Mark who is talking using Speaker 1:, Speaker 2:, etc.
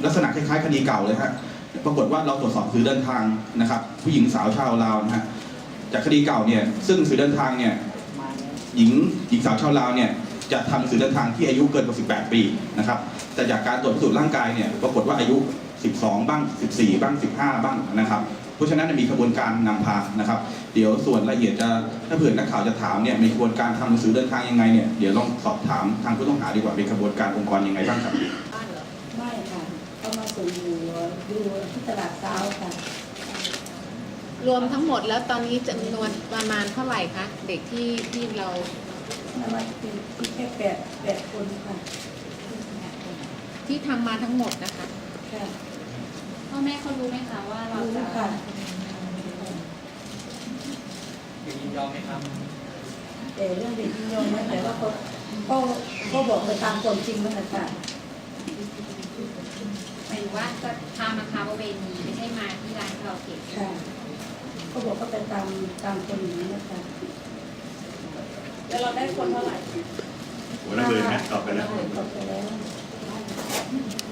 Speaker 1: ลักษณะคล้ายๆคดีเก่าเลยฮะปรากฏว่าเราตรวจสอบสื่อเดินทางนะครับผู้หญิงสาวชาวลาวนะฮะจากคดีเก่าเนี่ยซึ่งสื่อเดินทางเนี่ยหญิงสาวชาวลาวเนี่ยจะทำสื่อเดินทางที่อายุเกินกว่า18 ปีนะครับแต่จากการตรวจพิสูจน์ร่างกายเนี่ยปรากฏว่าอายุ12บ้าง14บ้าง15บ้างนะครับเพราะฉะนั้นมีกระบวนการนำพานะครับเดี๋ยวส่วนละเอียดจะถ้าเผื่อนักข่าวจะถามเนี่ยมีกระบวนการทำหนังสือเดินทางยังไงเนี่ยเดี๋ยวลองสอบถามทางผู้ต้องหาดีกว่าเป็นกระบวนการองค์กรยังไงบ้างครับ
Speaker 2: ไม่ค่ะเขามาส่งอยู่ที่ตลาดเช้าค่ะ
Speaker 3: รวมทั้งหมดแล้วตอนนี้จำนวนประมาณเท่าไหร่คะเด็กที่เรา
Speaker 2: ประมาณแค่แปดคนค่ะ
Speaker 3: ที่ทำมาทั้งหมดนะคะ
Speaker 2: ค่ะ
Speaker 4: พ่อแม่เขารู้ไหมคะว่าเราจะ
Speaker 2: ค่ะ
Speaker 5: ยินยอมไหมครับ
Speaker 2: แต่เรื่องเด็กยินยอมไหมแต่ว่าก็บอกไปตามความจริงนั่นแหละค่ะ
Speaker 4: หมายถึงว่าจะพามาค้าประเวณีไม่ใช่มาที่ร้านคาราโอเกะ
Speaker 2: ค่ะก็บอกก็ไปตามคนอย่างนี้นะคะ
Speaker 4: แล้วเราได้คนเท่าไหร่
Speaker 6: หัวระเบิดนะตอบไปแล้ว
Speaker 2: ตอบไปแล้ว